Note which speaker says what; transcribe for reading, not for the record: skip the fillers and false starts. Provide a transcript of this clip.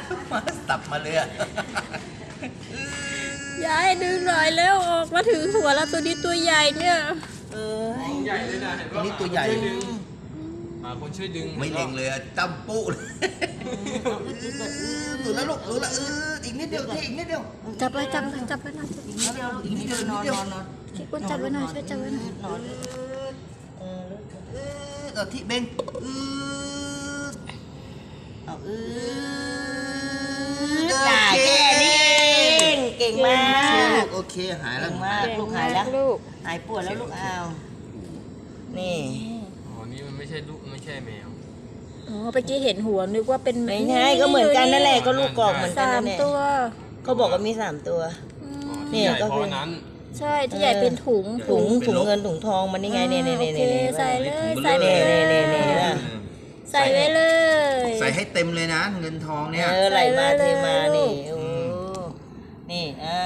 Speaker 1: มาสับมาเลยอะ
Speaker 2: ยายดึงหน่อยแล้วออกมาถึงหัวแล้วตัวนี้ตัวใหญ่เนี่ย
Speaker 3: ใหญ่เลยนะเห็น
Speaker 1: ตัว
Speaker 3: ว่า
Speaker 1: นี้ตัวใหญ่
Speaker 3: คนช่วยดึง
Speaker 1: ไม่เล็งเลยอะจ้ำปุ๊เลยหลุดแล้วลูกหลุดแล้วอีกนิดเดียวอีกนิดเดียว
Speaker 2: จับไว้จับไว้จับไว้หน่อย
Speaker 1: อีกนิดเดียวอีกนิดเดียวอีกนิดเดียว
Speaker 2: คิดว่าจับไว้หน่อยช่วยจับไว้หน่อย
Speaker 1: ที่เบงเอา
Speaker 4: จ่ายแค่นี้เองเก่งมาก
Speaker 1: โอเคหายแล้
Speaker 4: เก่
Speaker 1: ว
Speaker 4: งมากลูกหายแล้ว
Speaker 2: ลูก
Speaker 4: หายปวดแล้วลูกเอานี่
Speaker 3: อ๋อนี่มันไม่ใช่ลูกไม่ใช่แมว
Speaker 2: อ๋อเมื่อกี้เห็นหัวนึกว่าเป็น
Speaker 4: ไม่ใช่ก็เหมือนกันนั่นแหละก็ลูกกอกเหมือนกัน
Speaker 2: สา
Speaker 4: นั่
Speaker 2: ม
Speaker 4: นแหละ
Speaker 2: ตัว
Speaker 4: เขาบอกว่ามี3 ตัว
Speaker 3: อ๋อ
Speaker 4: เนี่
Speaker 3: ที่
Speaker 4: ย
Speaker 3: ใหญ่
Speaker 4: ก็
Speaker 3: เพ
Speaker 4: คือ
Speaker 3: ราะนั้น
Speaker 2: ใช่ที่ใหญ่เป็นถุง
Speaker 4: ถุงเงินถุงทองมันนี่ไงเนี่ย
Speaker 2: โอเคใส่เลยใส่
Speaker 4: เนี่
Speaker 2: เลย
Speaker 4: เนี่ย
Speaker 2: ใส่ไว้เลย
Speaker 1: ใส่ให้เต็มเลยนะเงินทองเนี่ย
Speaker 4: ไหลมาเทมานี่โอ้นี่